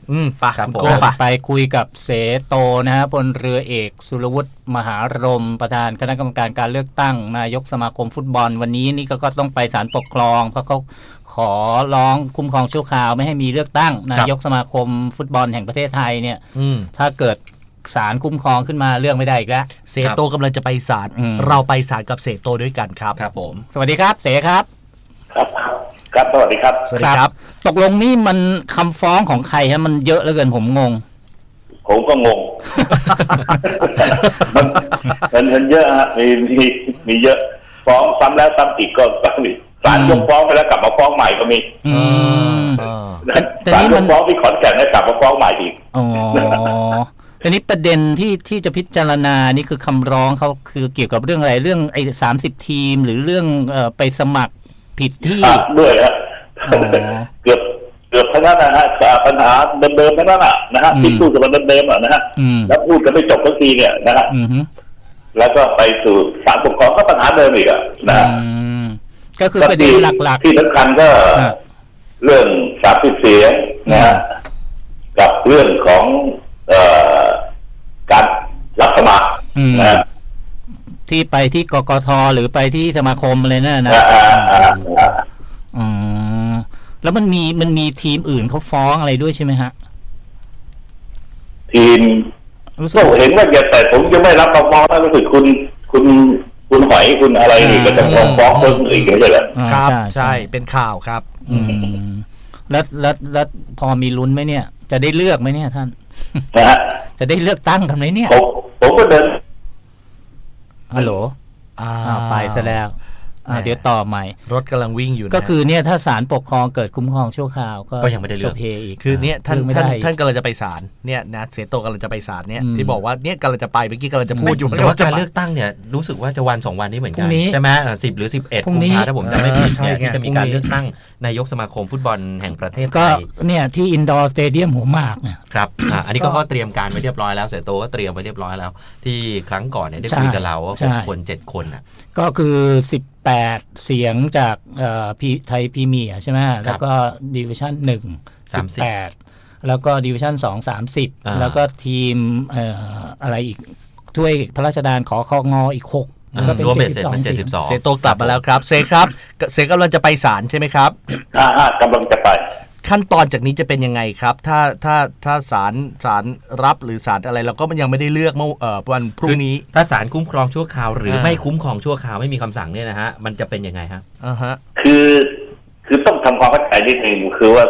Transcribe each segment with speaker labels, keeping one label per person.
Speaker 1: ไปคุณโก้ไป
Speaker 2: คุยกับเสโตนะฮะพลเรือเอกสุรวุฒิมหารมประธานคณะกรรมการการเลือกตั้งนายกสมาคมฟุตบอลวันนี้นี่ก็ต้องไปศาลปกครองเพราะเขาขอร้องคุ้มครองชั่วคราวไม่ให้มีเลือกตั้งนายกสมาคมฟุตบอลแห่งประเทศไทยเนี่ยถ้าเกิดศาลคุ้มครองขึ้นมาเรื่องไม่ได้อีกแล้ว
Speaker 1: เสโตกำลังจะไปศาลเราไปศาลกับเสโตด้วยกันครับ
Speaker 2: ครับผมสวัสดีครับเสครับ
Speaker 3: ครับสวัสดีครับ
Speaker 1: สวัสดีครับ
Speaker 2: ตกลงนี่มันคำฟ้องของใครฮะมันเยอะเหลือเกินผมงง
Speaker 3: ผมก็งงมันเยอะฮะมีเยอะฟ้องซ้ำแล้วซ้ำอีกก็มีศาลยกฟ้องไปแล้วกลับมาฟ้องใหม่ก็มีศาลยกฟ้องที่ขอนแก่นแล้วกลับมาฟ้องใหม่อีก
Speaker 2: ทีนี้ประเด็นที่จะพิจารณานี่คือคำร้องเขาคือเกี่ยวกับเรื่องอะไรเรื่องไอ้30 ทีมหรือเรื่องไปสมัครผิดที่
Speaker 3: ด้วยฮะเกือบทั้งนั้นนะฮะปัญหาเดิมๆทั้งนั้นนะฮะที่พูดกันมาเดิมๆนะฮะแล้วพูดกันไม่จบสักทีเนี่ยนะฮะแล้วก็ไปสู่ศาลปกครองก็ปัญหาเดิมอีกนะฮะ
Speaker 2: ก็คือประเด็นหลัก
Speaker 3: ๆที่สำคัญก็เรื่อง30 เสียงนะฮะกับเรื่องของการรับสมัครนะ
Speaker 2: ที่ไปที่กกท.หรือไปที่สมาคมอะไรนั่นนะแล้วมันมีทีมอื่นเขาฟ้องอะไรด้วยใช่ไหมฮะ
Speaker 3: ทีมก็เห็นว่าแต่ผมยังไม่รับฟ้องนะรู้สึกคุณหอยคุณอะไรนี่ก็จะฟ้องคนอื่นไม่ใช่เหรอ
Speaker 1: ครับใช่เป็นข่าวครับ
Speaker 2: แล้วพอมีลุ้นไหมเนี่ยจะได้เลือกไหมเนี่ยท่านจะได้เลือกตั้งกันไหมเนี่ย
Speaker 3: ผมก็เดิน
Speaker 2: ฮัลโหลไปซะแล้วเดี๋ยวต่อใหม่
Speaker 1: รถกำลังวิ่งอยู่
Speaker 2: ก็คือเนี่ยถ้าศาลปกครองเกิดคุ้มครองชั่วคราวก็
Speaker 1: ยังไม่ได้เลือก
Speaker 2: อีก
Speaker 1: คือเนี่ยท่านกำลังจะไปศาลเนี่ยนะเสโตกำลังจะไปศาลเนี่ยที่บอกว่าเนี่ยกำลังจะไปเมื่อกี้กำลังจะพูดอยู่
Speaker 4: ว่าการเลือกตั้งเนี่ยรู้สึกว่าจะวัน2 วันนี้เหมือนกันใช่ไหม10 หรือ 11 กุมภาพันธ์ถ้าผมจำไม่ผิดเนี่ยที่จะมีการเลือกตั้งนายกสมาคมฟุตบอลแห่งประเทศไทย
Speaker 2: ก็เนี่ยที่อินดอร์สเตเดียมหัวหมากเนี่ย
Speaker 4: ครับอันนี้ก็เตรียมการไว้เรียบร้อยแล้วเสโตก็เตรียมไว้เรียบร้อยแล้วที่ครั้งก่อนเนี่ยได้คุยกับเราว่า6 คน 7 คนอ่ะ
Speaker 2: ก็คือ18 เสียงจากไทยพรีเมียร์ใช่ไหมแล้วก็ดิวิชั่น1 18แล้วก็ดิวิชั่น2 30แล้วก็ทีมอะไรอีกถ้วยพระราชทานขอคงอีก6ก็เป็น
Speaker 4: 72
Speaker 1: เสโตกลับมาแล้วครับเสครับเสกำลังจะไปศาลใช่ไหมครับ
Speaker 3: กำลังจะไป
Speaker 1: ขั้นตอนจากนี้จะเป็นยังไงครับถ้าศาลรับหรือศาลอะไรเราก็มันยังไม่ได้เลือกเมื่อวันพรุ่งนี้
Speaker 4: ถ้าศาลคุ้มครองชั่วคราวหรือไม่คุ้มครองชั่วคราวไม่มีคำสั่งเนี่ยนะฮะมันจะเป็นยังไงฮะ
Speaker 3: คือต้องทำความเข้าใจนิดนึงคือว่า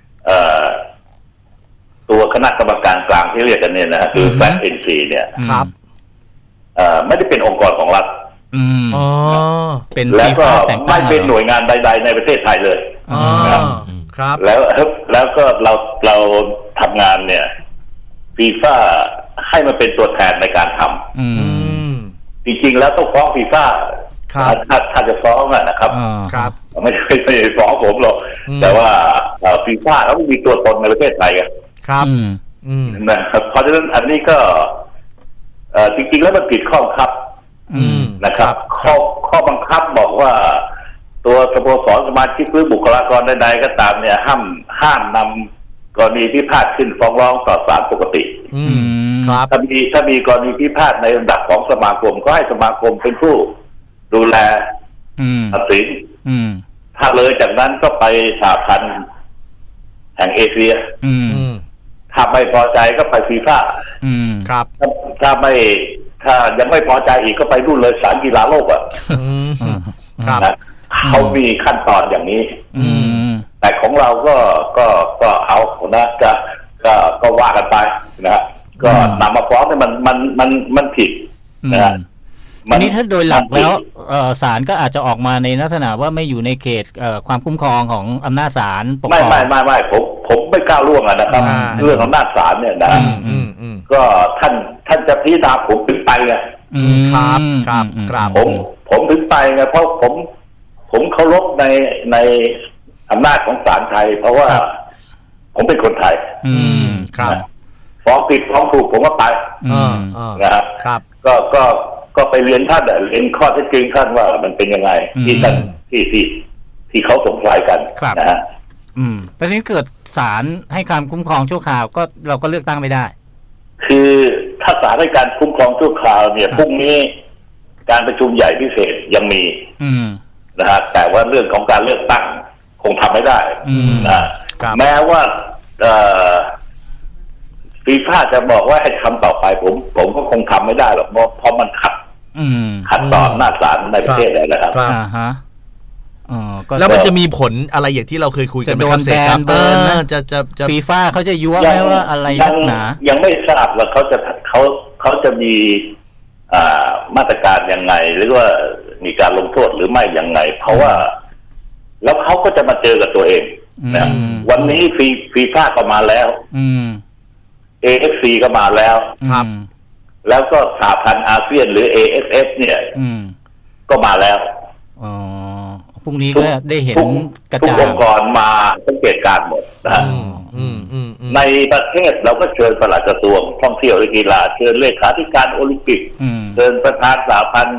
Speaker 3: ตัวคณะกรรมการกลางที่เรียกกันเนี่ยนะคือFATNCเนี่ย
Speaker 1: ครับ
Speaker 3: ไม่ได้เป็นองค์กรของรัฐ
Speaker 2: เป็น
Speaker 3: แล้วก็ไม่เป็นหน่วยงานใดๆในประเทศไทยเลย
Speaker 1: ครับ
Speaker 3: แล้วก็เราทำงานเนี่ยฟีฟ่าให้มันเป็นตัวแทนในการทำจริงๆแล้วต้องฟ้องฟีฟ่าถ้าจะฟ้องนะครับไม่ได้ฟ้องผมหรอกแต่ว่าฟีฟ่าเขาไม่มีตัวตนในประเทศไทย
Speaker 1: ครับ
Speaker 3: นะครับเพราะฉะนั้นอันนี้ก็จริงๆแล้วมันผิดข้อบังคับนะครับข้อบังคับบอกว่าตัวสโมสรสมาชิกหรือบุคลากรใดๆก็ตามเนี่ยห้ามนำกรณีพิพาทขึ้นฟ้องร้องต่อศาลปกติ
Speaker 1: ครับ
Speaker 3: ถ้ามีกรณีพิพาทในระดับของสมาคมก็ให้สมาคมเป็นผู้ดูแลตัดสินถ้าเลยจากนั้นก็ไปสหพันธ์แห่งเอเชียถ้าไม่พอใจก็ไปฟีฟ่า
Speaker 1: ครับ
Speaker 3: ถ้ายังไม่พอใจอีกก็ไปนู่นเลยศาลกีฬาโลก
Speaker 1: ครับ
Speaker 3: เขามีขั้นตอนอย่างนี้แต่ของเราก็เอานะก็ว่ากันไปนะก็นำมาฟ้องเนี่ยมันผิดนะ
Speaker 2: ทีนี้ถ้าโดยหลักแล้วศาลก็อาจจะออกมาในลักษณะว่าไม่อยู่ในเขตความคุ้มครองของอำนาจศาลปกครอง
Speaker 3: ไม่ผมไม่กล้าล่วงนะครับเรื่องอำนาจศาลเนี่ยนะก็ท่านจะพิจารณาผมถึงไปไง
Speaker 1: ครับ
Speaker 3: ผมถึงไปไงเพราะผมเคารพในอำนาจของศาลไทยเพราะว่าผมเป็นคนไทย
Speaker 1: ครับ
Speaker 3: ฟ้องผิดฟ้องถูกผมก็ไป
Speaker 1: นะครับ
Speaker 3: ก็ไปเรียนท่านเรียนข้อเท็จจริงท่านว่ามันเป็นยังไงที่ท่านที่เขาสงสัยกันนะฮะ
Speaker 2: แต่ทีนี้เกิดศาลให้การคุ้มครองชั่วคราวก็เราก็เลือกตั้งไม่ได้
Speaker 3: คือถ้าศาลให้การคุ้มครองชั่วคราวเนี่ยพรุ่งนี้การประชุมใหญ่พิเศษยังมีนะฮะแต่ว่าเรื่องของการเลือกตั้งคงทำไม่ได้นะแม้ว่าฟีฟ่าจะบอกว่าให้ทำต่อไปผมก็คงทำไม่ได้หรอกเพราะมันขัดต่ออำนาจศาลในประเทศเลยนะครับ
Speaker 1: แล้วมันจะมีผลอะไรอย่างที่เราเคยคุยกันไหมครับเสกครับ
Speaker 2: จะฟีฟ่าเขาจะยั่วไหมว่าอะไรนักหนา
Speaker 3: ยังไม่ทราบว่าเขาจะมีมาตรการยังไงหรือว่ามีการลงโทษหรือไม่ยังไงเพราะว่าแล้วเขาก็จะมาเจอกับตัวเองนะวันนี้ฟีฟ่าก็มาแล้วAFC ก็มาแล้ว
Speaker 1: ครับ
Speaker 3: แล้วก็สหพันธ์อาเซียนหรือ AFF เนี่ยก็มาแล้ว
Speaker 2: พรุ่งนี้ก็ได้เห็นกระจายทุก
Speaker 3: องค์กรมาสังเกตการหมดนะในประเทศเราก็เชิญปลัดกระทรวงท่องเที่ยวและกีฬาเชิญเลขาธิการโอลิมปิกเชิญประธานสหพันธ์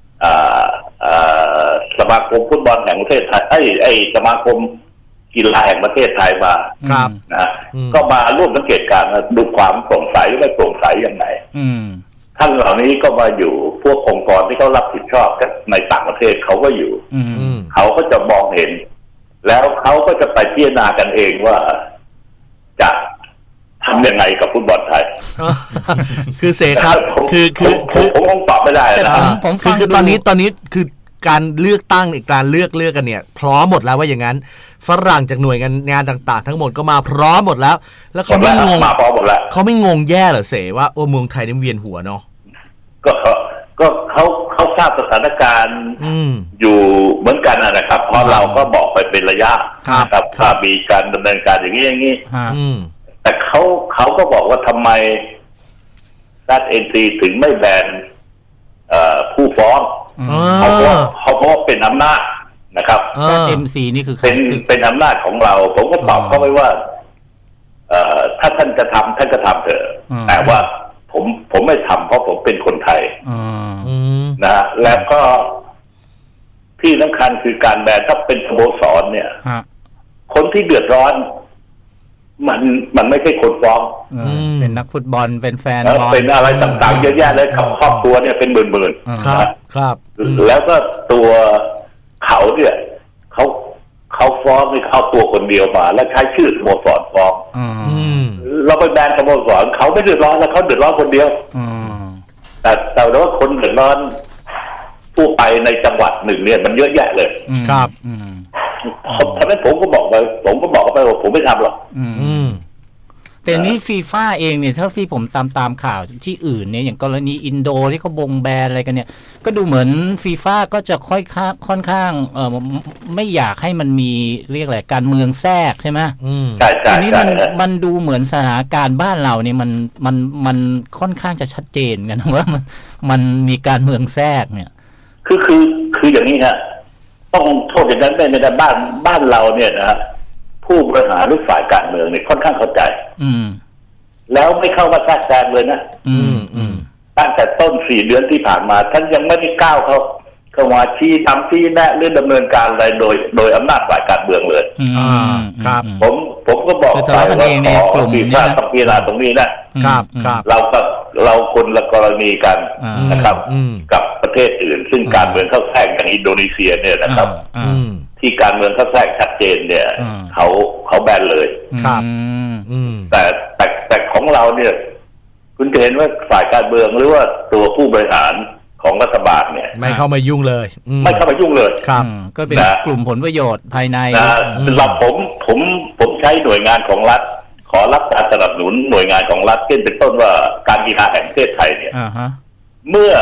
Speaker 3: สมาคมฟุตบอลแห่งประเทศไทยไอ้สมาคมกีฬาแห่งประเทศไทยมานะก็มาร่วมสังเกตการณ์ดูความโปร่งใสหรือไม่โปร่งใสยังไงท่านเหล่านี้ก็มาอยู่พวกองค์กรที่เขารับผิดชอบในต่างประเทศเขาก็อยู่เขาก็จะมองเห็นแล้วเขาก็จะไปพิจารณากันเองว่าจะทำยังไงกับฟุตบอลไทย
Speaker 1: คือเสกครับคือ
Speaker 3: ผมคงตอบไม่ได้นะ
Speaker 1: คือตอนนี้คือการเลือกตั้งอีกการเลือกกันเนี่ยพร้อมหมดแล้วว่าอย่างนั้นฝรั่งจากหน่วยงานต่างๆทั้งหมดก็มาพร้อมหมดแล้วเขาไม่งงเขาไม่งงแย่เหรอเสว่าโอ้เมืองไทยนี่เวียนหัวเนาะ
Speaker 3: ก็เขาทราบสถานการณ์อยู่เหมือนกันนะครับเพราะเราก็บอกไปเป็นระยะนะครับว่ามีการดำเนินการอย่างนี้แต่เขาก็บอกว่าทำไมรัฐNCถึงไม่แบนผู้ฟ้องเพราะว่าเป็นอำนาจนะครับ
Speaker 2: MC นี่คือ
Speaker 3: เป็นอำนาจของเราผมก็ตอบเขาไว้ว่าถ้าท่านจะทำท่านก็ทำเถอะแต่ว่าผมไม่ทำเพราะผมเป็นคนไทยนะแล้วก็ที่สำคัญคือการแบนถ้าเป็นสโมสรเนี่ยคนที่เดือดร้อนมันไม่ใช่คนฟ้อง
Speaker 2: เป็นนักฟุตบอลเป็นแฟน
Speaker 3: บอลเป็นอะไรต่างๆเยอะแยะเลยครอบครัวเนี่ยเป็นหมื่น
Speaker 1: ๆครับ
Speaker 3: แล้วก็ตัวเขาเนี่ยเขาฟ้องให้เข้าตัวคนเดียวมาแล้วใช้ชื่อสโมสรฟ้องเราไปแบนสโมสรเขาไม่เดือดร้อนแล้วเขาเดือดร้อนคนเดียวแต่ว่าคนเดือดร้อนผู้ไปในจังหวัดหนึ่งเนี่ยมันเยอะแยะเลย
Speaker 1: ครับ
Speaker 3: เพราะฉะนั้นผมก็บอกไปว่าผมไม่ทำหรอก
Speaker 2: แต่นี้ฟีฟ่าเองเนี่ยเท่าที่ผมตามข่าวที่อื่นเนี่ยอย่างกรณีอินโดที่เขาบงแบนอะไรกันเนี่ยก็ดูเหมือนฟีฟ่าก็จะค่อนข้างไม่อยากให้มันมีเรียกอะไรการเมืองแทรกใช่ไหม
Speaker 3: ใช่
Speaker 2: อันนี้มันดูเหมือนสถานการณ์บ้านเราเนี่ยมันค่อนข้างจะชัดเจนกันว่ามันมีการเมืองแทรกเนี่ย
Speaker 3: คืออย่างนี้ฮะต้องโทษอย่างนั้นไม่ได้บ้านเราเนี่ยนะผู้บริหารหรือฝ่ายการเมืองเนี่ยค่อนข้างเข้าใจแล้วไม่เข้ามาแทรกแซงเลยนะตั้งแต่ต้น4 เดือนที่ผ่านมาท่านยังไม่ได้ก้าวเข้ามาชี้ทำชี้แนะหรือดำเนินการอะไรโดยอำนาจฝ่ายการเมืองเลย
Speaker 1: ครับ
Speaker 3: ผมก็บอกไปว่าขอฟีฟ่าต้องพิจารณาตรงนี้นะครับเราคนละกรณีกันนะครับกับประเทศอื่นซึ่งการเมืองเข้าแทรกอย่างอินโดนีเซียเนี่ยนะครับที่การเมืองเข้าแทรกชัดเจนเนี่ยเขาแบนเลย
Speaker 1: ครับ
Speaker 3: แต่ของเราเนี่ยคุณจะเห็นว่าฝ่ายการเมืองหรือว่าตัวผู้บริหารของรัฐบาลเนี่ย
Speaker 1: ไม่เข้ามายุ่งเลย
Speaker 3: ไม่เข้ามายุ่งเลย
Speaker 1: ครับ
Speaker 2: ก็เป็นกลุ่มผลประโยชน์ภายใน
Speaker 3: เราผมใช้หน่วยงานของรัฐขอรับการสนับสนุนหน่วยงานของรัฐเช่นเป็นต้นว่าการกีฬาแห่งประเทศไทยเนี่ยเมื่อ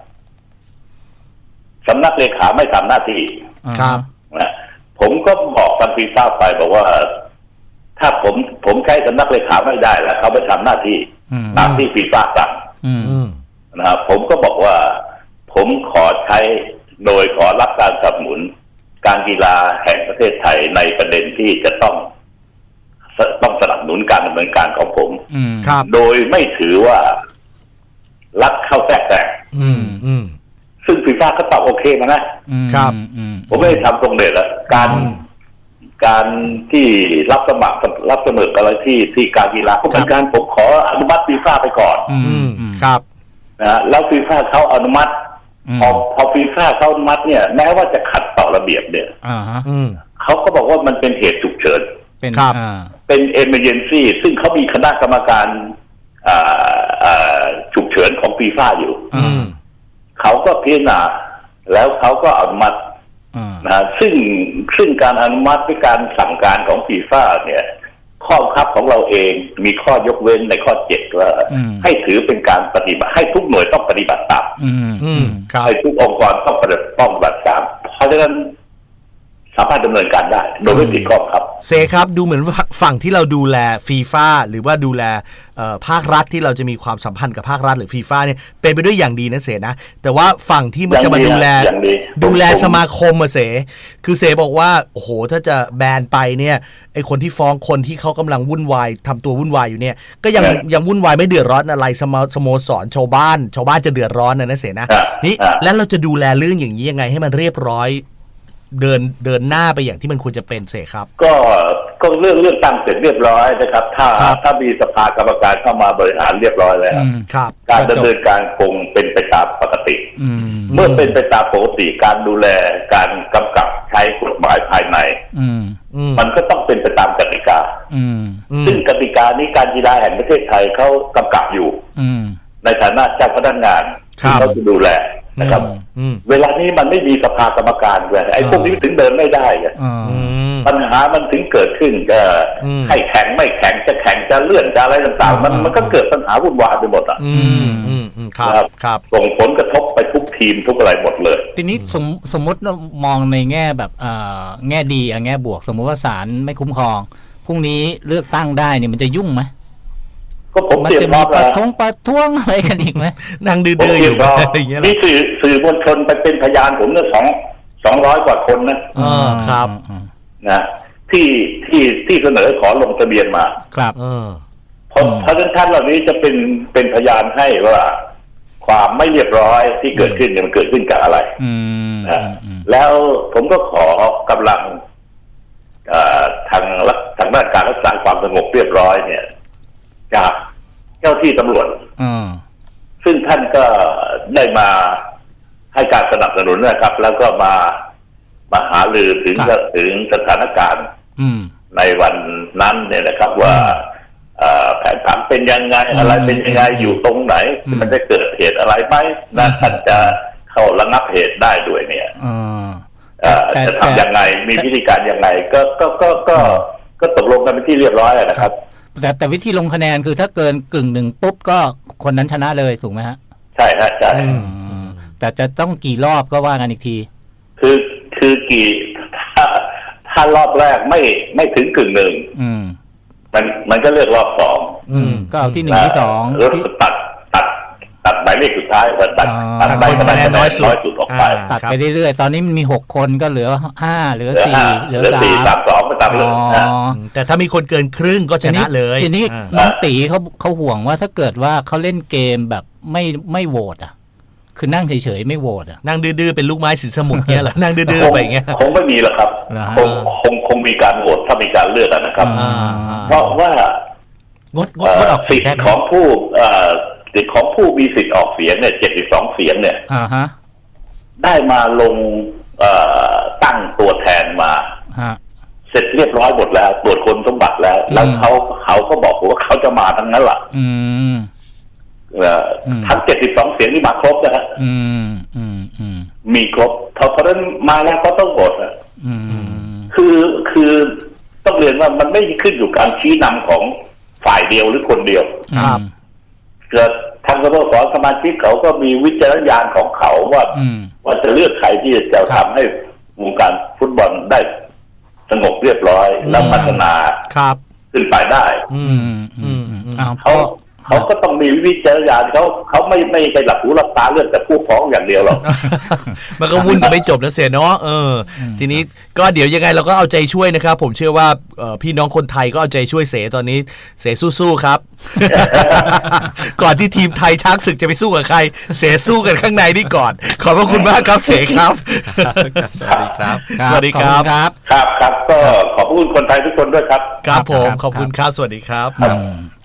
Speaker 3: สำนักเลขาไม่ทำหน้าที่
Speaker 1: ครับ
Speaker 3: ผมก็บอกทางฟีฟ่าไปบอกว่าถ้าผมใช้สำนักเลขาไม่ได้แล้วเขาไปทำหน้าที่ตามที่ฟีฟ่าสั่งนะครับผมก็บอกว่าผมขอใช้โดยขอรับการสนับสนุนการกีฬาแห่งประเทศไทยในประเด็นที่จะต้องสนับสนุนการดำเนินการของผมโดยไม่ถือว่ารัฐเข้าแทรกแซงซึ่งฟีฟ่าก็ตอบโอเคมานะครับผมไม่ได้ทำตรงเด็ดละการที่รับสมัครอะไรที่การกีฬาก็เหมือนกันผมขออนุมัติฟีฟ่าไปก่อน
Speaker 1: ครับ
Speaker 3: นะแล้วฟีฟ่าเขาอนุมัติพอฟีฟ่าเขาอนุมัติเนี่ยแม้ว่าจะขัดต่อระเบียบเนี่ยเขาก็บอกว่ามันเป็นเหตุฉุกเฉินเป็น emergency ซึ่งเขามีคณะกรรมการฉุกเฉินของฟีฟ่าอยู่เขาก็พิจารณาแล้วเขาก็อนุมัตินะซึ่งการอนุมัติด้วยการสั่งการของฟีฟ่าเนี่ยข้อบังคับของเราเองมีข้อยกเว้นในข้อ7ว่าให้ถือเป็นการปฏิบัติให้ทุกหน่วยต้องปฏิบัติตามให้ทุกองค์กรต้องปฏิบัติตามเพราะฉะนั้นสามารถดำเนินการได้โดยไม่ผิดข้อบังคับ
Speaker 1: เซครับดูเหมือนฝั่งที่เราดูแลฟีฟ่าหรือว่าดูแลภาครัฐที่เราจะมีความสัมพันธ์กับภาครัฐหรือฟีฟ่าเนี่ยเป็นไปด้วยอย่างดีนะเสนะแต่ว่าฝั่งที่มันจะมาดูแลสมาคมเสคือเสบอกว่าโอ้โหถ้าจะแบนไปเนี่ยไอคนที่ฟ้องคนที่เขากำลังวุ่นวายทำตัววุ่นวายอยู่เนี่ยก็ยังวุ่นวายไม่เดือดร้อนอะไรสโมสรชาวบ้านจะเดือดร้อนนะเสนะนี่แล้วเราจะดูแลเรื่องอย่างนี้ยังไงให้มันเรียบร้อยเดินหน้าไปอย่างที่มันควรจะเป็นเสครับ
Speaker 3: ก็เรื่องตั้งเสร็จเรียบร้อยนะครับถ้ามีสภากรรมการเข้ามาบริหารเรียบร้อยแล้วการดำเนินการคงเป็นไปตามปกติเมื่อเป็นไปตามปกติการดูแลการกำกับใช้กฎหมายภายในมันก็ต้องเป็นไปตามกติกาซึ่งกติกานี้การกีฬาแห่งประเทศไทยเขากำกับอยู่ในฐานะเจ้าพนักงานที่เขาจะดูแลนะครับเวลานี้มันไม่มีสภากรรมการเลยไอ้พวกนี้ถึงเดินไม่ได้ปัญหามันถึงเกิดขึ้นก็ให้แข่งไม่แข่งจะแข่งจะเลื่อนจะอะไรต่างๆมันก็เกิดปัญหาวุ่นวายไปหมด
Speaker 1: ครับ
Speaker 3: ส่งผลกระทบไปทุกทีมทุกอะไรหมดเลย
Speaker 2: ทีนี้สมมติมองในแง่แบบแง่ดีแง่บวกสมมุติว่าศาลไม่คุ้มครองพรุ่งนี้เลือกตั้งได้เนี่ยมันจะยุ่งไหมมันจะมีประท้วงอะไรกันอีกไหม
Speaker 1: นั่งดื้อๆอยู่อย่างเงี้ย
Speaker 3: นี่สื่อมวลชนไปเป็นพยานผมเนี่ย200 กว่าคน
Speaker 1: นะครับ
Speaker 3: นะที่เสนอขอลงทะเบียนมา
Speaker 2: ครับ
Speaker 3: เพราะท่านเหล่านี้จะเป็นพยานให้ว่าความไม่เรียบร้อยที่เกิดขึ้นเนี่ยมันเกิดขึ้นกับอะไรนะแล้วผมก็ขอกำลังทางด้านการรักษาความสงบเรียบร้อยเนี่ยจากเจ้าที่ตำรวจซึ่งท่านก็ได้มาให้การสนับสนุนนะครับแล้วก็มาหารือถึงสถานการณ์ในวันนั้นเนี่ยนะครับว่าแผนผังเป็นยังไงอะไรเป็นยังไงอยู่ตรงไหนมันจะเกิดเหตุอะไรไหมนะท่านจะเข้าระงับเหตุได้ด้วยเนี่ยจะทำยังไงมีวิธีการยังไงก็ตกลงกันเป็นที่เรียบร้อยนะครับ
Speaker 2: แต่วิธีลงคะแนนคือถ้าเกิน1/2ปุ๊บก็คนนั้นชนะเลยถูกไหมฮะ
Speaker 3: ใช่ฮะใช่
Speaker 2: แต่จะต้องกี่รอบก็ว่ากันอีกที
Speaker 3: คือกี่ถ้ารอบแรกไม่ถึง1/2มันก็เลือกรอบ2
Speaker 2: ก็เอาที่1ที่2
Speaker 3: แล้วตัดหมายเลขสุดท้ายตัดไปคะแนนน้อยสุดออกไป
Speaker 2: ตัดไปเรื่อยๆตอนนี้มันมี6คนก็เหลือ5เหลือ4เหลือ
Speaker 3: 3 2ไปตามเลย
Speaker 1: แต่ถ้ามีคนเกินครึ่งก็ชนะเลย
Speaker 2: ทีนี้น้องตีเขาห่วงว่าถ้าเกิดว่าเขาเล่นเกมแบบไม่โหวตคือนั่งเฉยๆไม่โหวต
Speaker 1: นั่งดื้อๆเป็นลูกไม้สินสมุทรเงี้ยเหรอนั่งดื้อๆไปเงี้ย
Speaker 3: คงไม่มีหรอกครับคงมีการโหวตถ้ามีการเลือกนะครับเพราะว่าง
Speaker 1: ดออกเสียง
Speaker 3: ของผู้สิทธิ์ของผู้มีสิทธิ์ออกเสียงเนี่ย72 เสียงเนี่ยได้มาลงตั้งตัวแทนมาเสร็จเรียบร้อยหมดแล้วตรวจคนสมบัติแล้วเขาก็บอกว่าเขาจะมาทั้งนั้นแหละทั้ง72 เสียงนี่มาครบนะฮะมีครบเพราะฉะนั้นมาแล้วก็ต้องโหวตคือต้องเรียนว่ามันไม่ขึ้นอยู่การชี้นำของฝ่ายเดียวหรือคนเดียวเกิดทางสโมสรสมาชิกเขาก็มีวิจารณญาณของเขาว่าจะเลือกใครที่จะทำให้วงการฟุตบอลได้สงบเรียบร้อยแล้วพัฒนาขึ้นไปได้เขาก็ต้องมีวิจารณญาณเขาไม่ใช่หลับหูหลับตาเรื่องแต่ผู้ฟ้องอย่างเดียวหรอก
Speaker 1: มันก็วุ่นกันไม่จบนะเสียเนาะทีนี้ก็เดี๋ยวยังไงเราก็เอาใจช่วยนะครับผมเชื่อว่าพี่น้องคนไทยก็เอาใจช่วยเสตอนนี้เสสู้ๆครับ ก่อนที่ทีมไทยช้างศึกจะไปสู้กับใครเสสู้กันข้างในนี่ก่อนขอบพระคุณมากครับเสครับ
Speaker 4: สวัสดีครับ
Speaker 1: สวัสดีครับ
Speaker 3: ครับก็ขอบคุณคนไทยทุกคนด้วยครับ
Speaker 1: ครับผมขอบคุณครับสวัสดีครับ